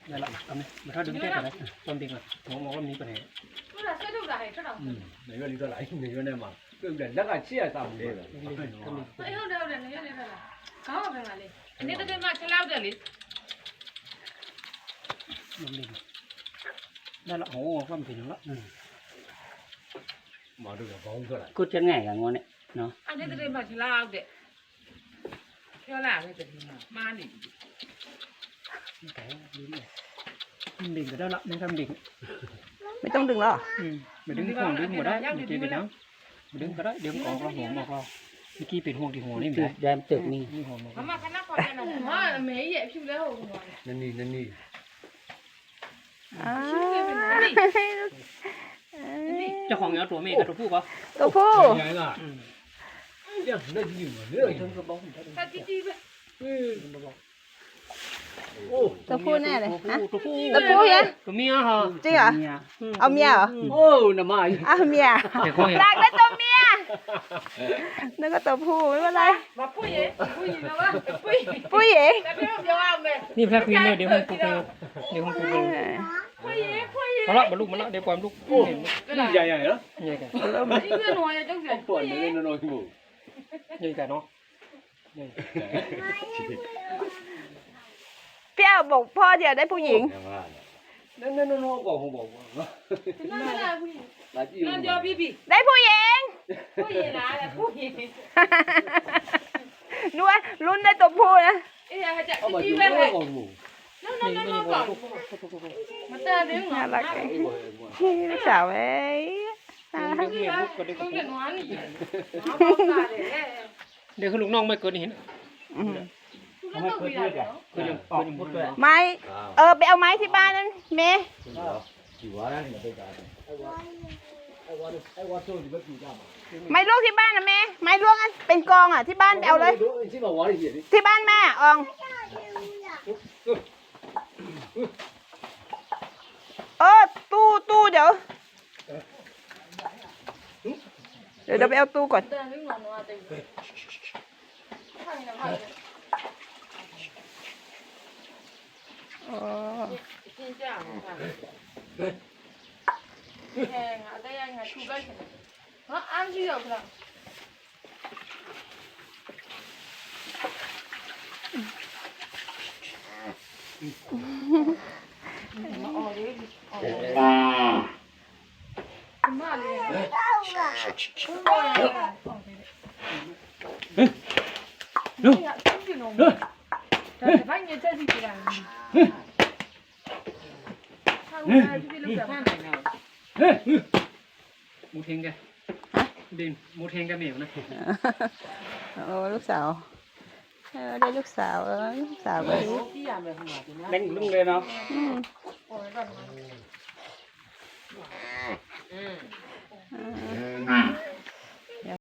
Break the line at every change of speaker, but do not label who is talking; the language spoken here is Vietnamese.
đây là mà thôi đứng chết rồi đấy tôm tiền rồi ngó con ní còn này
này cái đi lại này cái này mà cái đèn đất là chia sao vậy
Ôi đâu đâu đây này đây là có phải mà đi anh ấy tới mà chơi lao được đi
tôm tiền đây là hổ con tiền đó
mà được là bóng cái này
cút chân ngày cả ngon đấy nó
anh ấy tới mà chơi lao được theo là cái gì mà đi
cái đứng này đỉnh cái đó lắm đến thăm đỉnh
ไม่ต้องดึงแล้วเหรอ
mình đứng khoảng đứng ở đấy mình chơi cái đó mình đứng cái đấy đứng có hồ mà có cái kia biển hồ thì hồ này mình đem tự mi hồ mà
mà cái nắp còn cái nào mà mấy vậy chứ lấy hồ
nên đi
อ้าว
เจ้าของเอาตัวเมย์กับตัวผู้ก็
ตัวผู้
cái này là nhá nó gì mà nữa
ta tí tí vậy
ตัวผู้แน่เลยฮะ
ตัวผู้
ตัวผู้เนี่ย
ตัวเมียเหรอ
จริงเหรอเอาเมียเหรอ
ô nằm ai
เอาเมีย
เดี๋ยวเขาเห็น
รักได้ตัวเมียนึกว่าตัวผู้ไม่เป็นไร
mà phui vậy phui gì đâu á phui
ผู้หญิง
ta biết không đâu mẹ
นี่แพ้ควีนเลยเดี๋ยวผมปูเดี๋ยวผมปู
phui gì phui gì
มาละมาลูกมาละเดี๋ยวความลูกเห็น
cái gì vậy đó
ใหญ่กัน
đi cái nồi này trong rửa
tuần nữa nó nói ngủ
ใหญ่กันเนาะ
พี่เอาบอกพ่อเดี๋ยวได้ผู้หญิง
nó còn không bảo
nó là phui
là gì
nó cho bi bi
ได้ผู้หญิง
phui gì là phui gì
ดูว่าลุ้นได้ตัวผู้นะ
ê là chạy
mà
tí
chúng
bên
nó
này
còn ngủ
nó còn mà ta đứng
น่า
ngồi
รักเลยลูกสาวเอ้ยน่ารัก
เดี๋ยวเมียลูกก็ได้กับ
không
ผู้
nhận hoán nó bóc ra để
เดี๋ยวคือลูกน้องไม่เกินเห็น
อืม
nó không bị là
คือยังออกพูดด้วย
ไม้ไปเอาไม้ที่บ้านนั่นเมย์
chỉ quá đấy mà bây giờ ai qua chơi thì bất kỳ sao
ไม้ลวกที่บ้านนะเมย์ไม้ลวกอันเป็นกองอ่ะที่บ้านไปเอาเลย
chứ mà quá thì gì đi
ที่บ้านแม่อองตู้เดี๋ยวไปเอาตู้ก่อน
ta đứng ngồi ngoài tình thằng nào vậy
อ๋อ
xin chào hàng ở đây anh là thu đây nó ăn gì được rồi
มูเทงแกดินมูเทงแกเหมียวนะ
โอ้ลูกสาวได้ลูกสาวลูกสาวไป
เล่นลุงเลยเนาะ
อืม